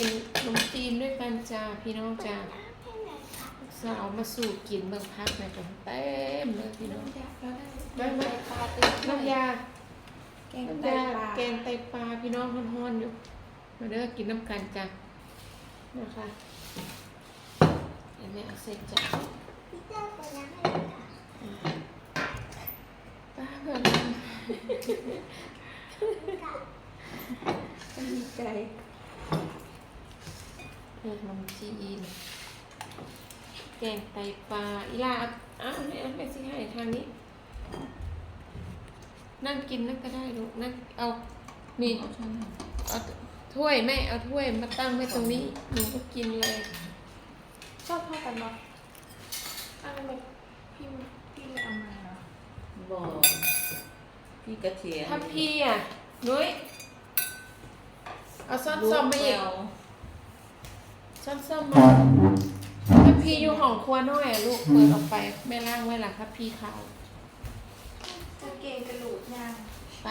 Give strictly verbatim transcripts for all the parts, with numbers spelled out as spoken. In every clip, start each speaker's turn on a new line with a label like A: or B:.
A: กินขนมจีนด้วยกันจ้าพี่น้องจ้าสาวมาสู่กินเบิ่งพักในกันเต็มเลยพี่น้องได้ไหมน้ำยาแกงไตปลาแกงไตปลาพี่น้องฮ้อนๆอยู่มาเด้อกินน้ำกันจ้านะคะเดี๋ยวแม่เอาเสร็จจ้าป้าเพื่อนดีใจเพื่อนขนมจีนแกงไตปลาอีลาอ้าวไม่ไม่สิให้ทางนี้นั่งกินนั่นก็ได้ลูกนั่งเอานี่เอาถ้วยแม่เอาถ้วยมาตั้งไว้ตรงนี้หนูก็กินเลย
B: ชอบเท่ากันเนาะอะไรแบบพี่พี่เอามาเนาะ
C: บอกพี่กระเทียม
A: ถ้าพี่อ่ะนุ้ยเอาซ่อนซ่อมมาอีกซ่อนซ่อมมาถ้าพี่อยู่ห้องครัวน้อยอ่ะลูกเปิดออกไปแม่ล่างไว้ล่ะถ้าพี่ขาว
B: จะเกงกระดูกยาง
A: ไป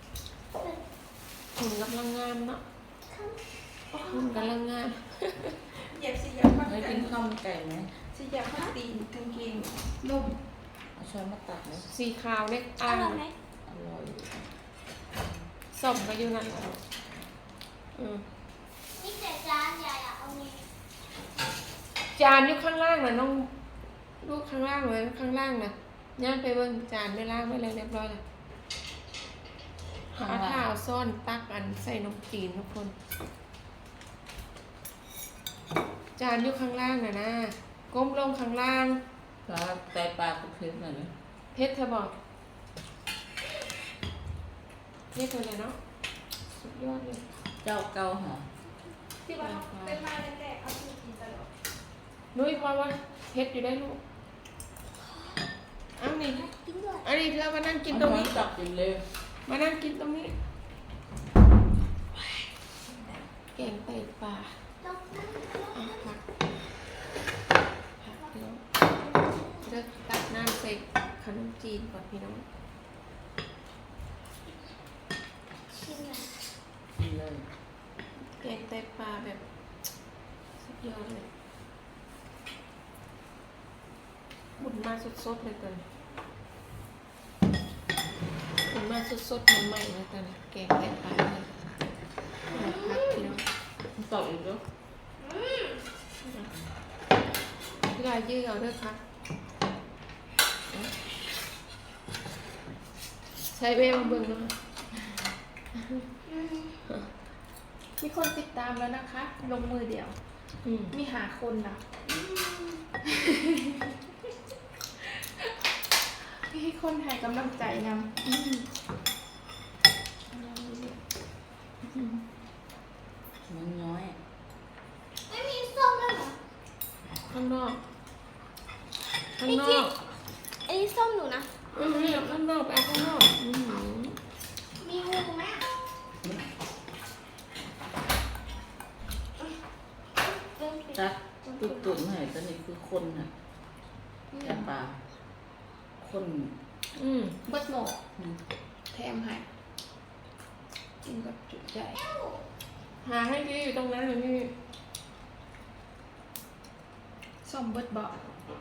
A: หุ่นกำลังงามเนาะหุ่นกำลังงาม
B: อยากสิอยากมา
C: ไม่กินข้าวมันไก่ไหม
B: สิอยากมาตีนกางเกงนุ่ม
C: เอาช้อนมาตักไหม
A: สีขาวเล็กอ่าง
C: อร่อย
A: สมไปอยู่นั่นแล้วอืม
D: นี่แต่จานใหญ่อะเอานี้
A: จานอยู่ข้างล่างนะน้องลูกข้างล่างเลยข้างล่างนะย่างไปเบิ่งจานไม่ล่างไม่เลยเรียบร้อยเลยหาข้าวซ่อนตักอันใส่นมจีนทุกคนจานอยู่ข้างล่างนะนะก้มลงข้างล่าง
C: แล้วไตปลาคุกเพชรหน่อยนะ
A: เพชรเธอบอกเพชรเลยเนาะสุดยอดเลย
C: เจ้าเก่าหรอ
B: ที่ว่าเป็นมาแรกๆเอาที่กินตลอด
A: นุ้ยพอว่าเพชรอยู่ได้ลูกอ้าวนี่อันนี้เธอมานั่งกินตรงนี้
C: จับกินเลย
A: มานั่งกินตรงนี้แกงไตปลาผักผักพี่น้องเลือกตักน้ำใส่ขนมจีนก่อนพี่น้อง
D: ชิมหน่อย
C: กินเลย
A: แกงไตปลาแบบสุดยอดเลยหมุนมาสดๆเลยตอนนี้หมุนมาสดๆใหม่ๆเลยตอนนี้แกงไตปลาเลยผักพี่น้อง
C: ตอบอีกแล้ว
A: พี่ลายยืดเอาด้วยค่ะใช้เวมาเบิ่งนะ
B: มีคนติดตามแล้วนะคะลงมือเดียวมีหาคนนะพี่ให้คนให้กำลังใจนำ
C: มันน้อย
D: ไม่มีส้มแล้วเหรอ
A: ข้างนอกข้างนอก
D: อันนี้ส้มหนูนะ
A: อืมข้างนอกไปข้างนอก
D: มีงูไหม
C: จักตุ่ตุ่นหน่อยตอนนี้คือคนน่ะแค่ปลาคน
A: อืม
B: เบิดโหมกแถมให้กินแบบจุใจ
A: หาให้พี่อยู่ตรงนั้นเลยพี่
B: ส้มเบิดบอก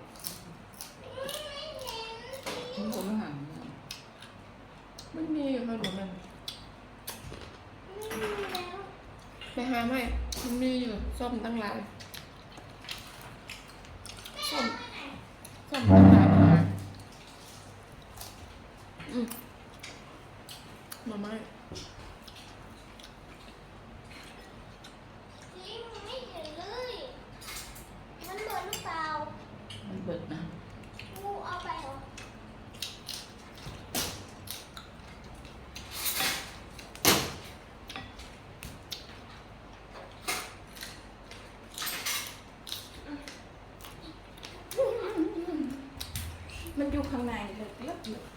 C: มันก็ไม่ห่าง
A: มันมีอยู่ค่ะหนูมันไปหาไหมมันมีอยู่ส้มตั้งหลายส้มส้มตั้งหลายมาอืมมาไหม
D: ไม่เห็นเลยมันเบิดหรือเปล่า
C: มันเบิดนะ
D: งูเอาไปเหรอ
B: มันอยู่ข้างในเลยเยอะเลย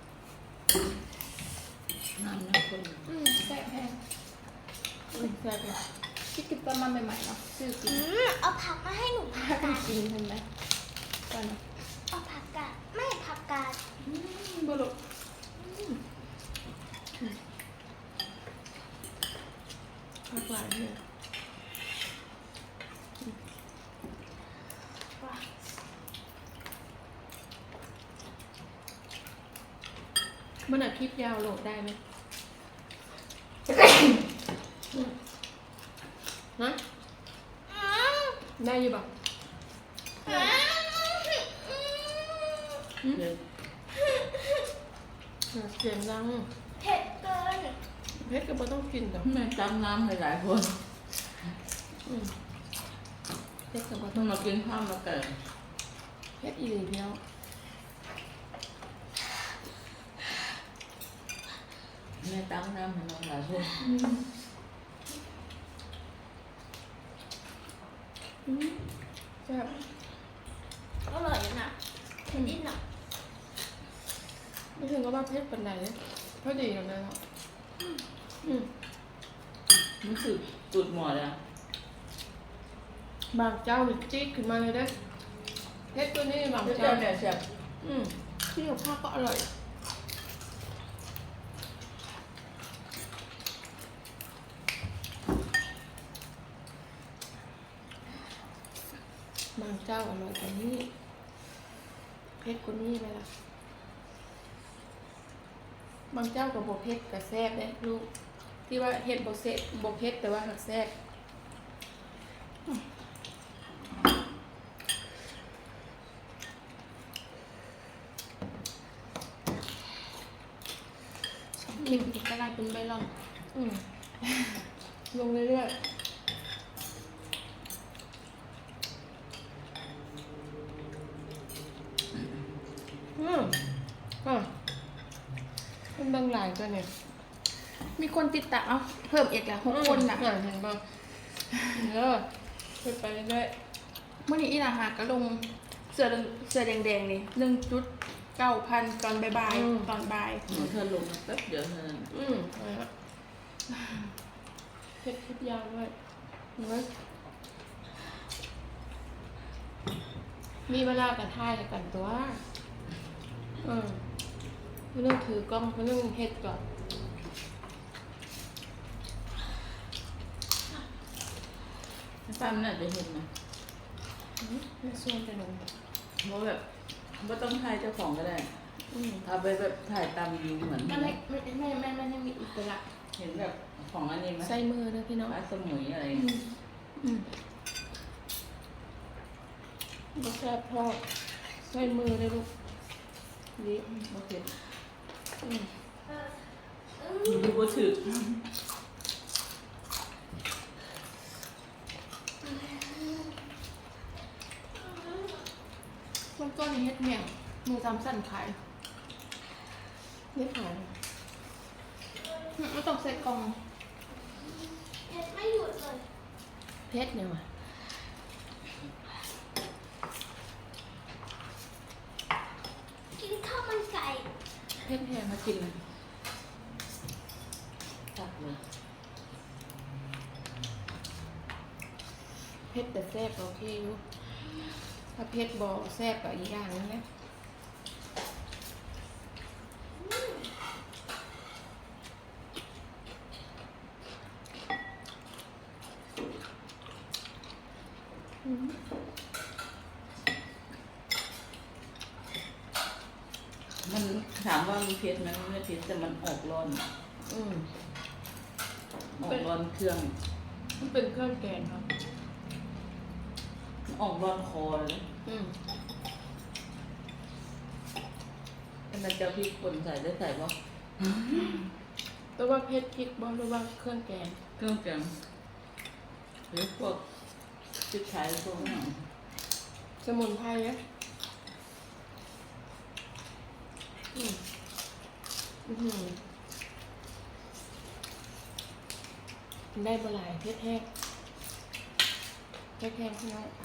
C: น้ำนะคน
B: อืมแซ่บแพง
A: อืมแซ่บเลย
B: คิดกินประมาณใหม่ๆเนาะซื้อกิน
D: เอาผักมาให้หนูผั
B: ถ้าก กัน
D: กาด
B: กินเห็นไหมก่อนนะ
D: เอาผักกาดไม่ผักกาด
A: บุรุษผักหลายเนี่ยมันอาทิตย์ยาวโหลดได้ไหมฮะได้อยู่บ่
C: เดี๋ยว
A: เสียงดัง
D: เผ็ดเกิน
A: เพชรก็ไม่ต้องกินดอก
C: แม่จำน้ำหลายๆคน
A: อืมเพชรก็บ่
C: ต้
A: ต้
C: อ
A: อง ง
C: มากินข้าวมาไก่
A: เพชรอีหลีเดียว
C: แม่ตั้งน้ำให้น้องหลายคน
A: อืมอืมแซ่บ
D: อร่อยนะเผ็ดนิดหน่อย
A: ไม่ถึงก็ว่าเพชรเป็นไหนพอดีอย่างนั้นแล้วอืม
C: รู้สึกตุดหมดเลยอะ
A: บางเจ้านี่จี๊ดขึ้นมาเลยเด้อเพชรตัวนี้บาง
C: เจ้า
A: เจ้า
C: เนี่ยแซ่บ
A: อืมที่กับข้าวก็อร่อยบางเจ้าอร่อยกว่านี้เพชรกว่านี้เลยล่ะบางเจ้ากับบเพชรกับแซ่บเนี่ยลูกที่ว่าเห็ดบเซบเพชรแต่ว่าหักแซ่บกินอีกก็ได้เป็นใบลอนอืมลงเรื่อยๆอืมอ่ะมันบางหลายตัวเนี่ย
B: มีคนติดตามเอ้าเพิ่มอีกแล้วหกคนน่ะ
A: อ่ะเห็นบ้างเออขึ้นไปเรื่อย
B: เมื่อนี้อีหลาหาก็ลงเสื้อเสื้อแดงๆนี่หนึ่งจุดเก้าพันตอนบ่ายๆตอนบ่าย
C: หนูเธอลงมาแป๊บเดียวเท่านั้น
A: ๆอืมอะไรละเพชรคลิปยาวด้วยเห็นไหมมีเวลากระท่ายกันตัวอืมไม่ต้องถือกล้องไม่ต้องเฮ็ดก่อน
C: ป้ามันน่าจะเห็นนะ
A: อืมไม่ส่วนไปหนู
C: เพราะแบบไม่ต้องถ่ายเจ้าของก็ได้
A: อืม
C: เอาไปแบบถ่ายตามวิวเหมือน
B: มันไม่ไม่ไม่ไม่ไม่ไม่มีอิสระ
C: เห็นแบบของอันนี้ไหม
A: ใส่มือเลยพี่น้อง
C: ปลาสมุยอะไร
A: อืมอืมบ่แซ่บทอดใส่มือเลยลูกดี
C: โอเค
A: อืม
C: ดูก็ถือ
B: มันก็ในเฮ็ดเมี่ยงมือจำสั่นขาย
A: ไม่ผ่าน
B: ไม่ต้องใส่กล่อง
D: เผ็ดไม่หยุดเลย
A: เพชรเนี่ยว่ะ
D: กินข้าวมันไก่
A: เพชรแพงมากินเลย
C: ตักเลย
A: เพชรแต่แซ่บโอเคอยู่ถ้าเพชรบ่แซ่บก็อีกอย่างนึงนะอืม
C: มันถามว่ามันเผ็ดไหมมันไม่เผ็ดแต่มันออกร้อน
A: อืม
C: ออกร้อนเครื่อง
A: มันเป็นเครื่องแกงครับ
C: ออกร้อนคอเลย
A: อืม
C: อันนั้นจะพริกป่นใส่ได้ใส่ป่ะ
A: แต่ว่าเพชรพริกบ่หรือว่าเครื่องแกง
C: เครื่องแกงหรือพวกพริกไทยพวกนั้น
A: สมุนไพรอะอืมอือหือได้บหลายเพชรแห้งเพชรแห้งพี่น้อง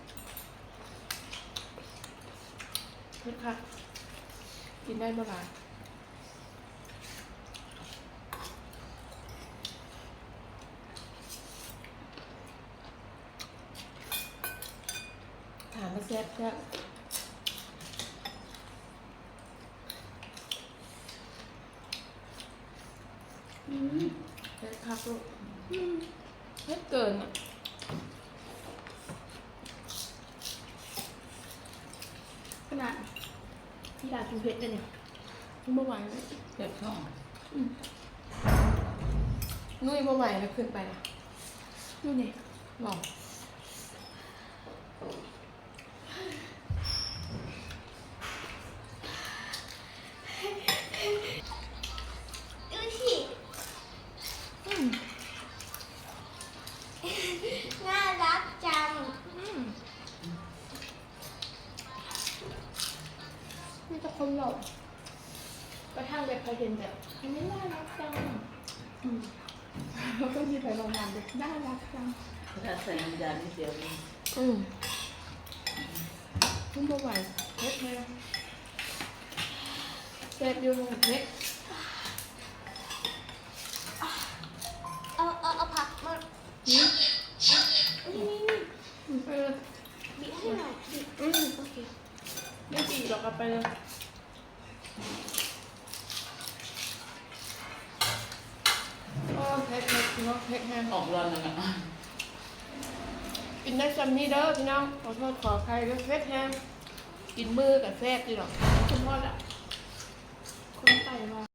A: เพชรค่ะ กินได้บหลายถามมาแซ่บจ้ะอืมเพชรคักลูกอืมเพชรเกินอ่ะ
B: ขนาดที่ร้านกินเผ็ดเลยเนี่ยเมื่อวานเลย
C: เจ็บท้อง
A: นุ่ยบ่ไหวแล้วขึ้นไปนะ
B: ดูนี่
A: หรอ
D: ดูสิ
B: อืม
D: น่ารักจัง
B: อืมมีแต่คนหล่อไปทางแบบพาเห็นแบบอันนี้น่ารักจังอืมแล้วก็มีไปประมาณแบบน่ารักจัง
C: ถ้าใส่น้ำยานิดเดียวเอง
A: อืมนุ่มบ่ไหวเฮ็ดแม่แซ่บอยู่เฮ็ด
D: เอาเอาเอาผักมา
A: นี่
D: นี่นี่นี่
A: เออ
D: บีบให้หน่อยบีบ
A: อืม
D: โอเค
B: ไม่จีหรอกเอาไปเลย
A: โอ้เฮ็ดเฮ็ดพี่น้องเฮ็ดแห้ง
C: ออกร้อนนะนะ
A: กินได้ซ้ำนี่เด้อพี่น้องขอโทษขออภัยด้วยเฮ็ดแห้งกินมือกับแซ่บดีหรอก
B: คุณพ่อละคนไต่มา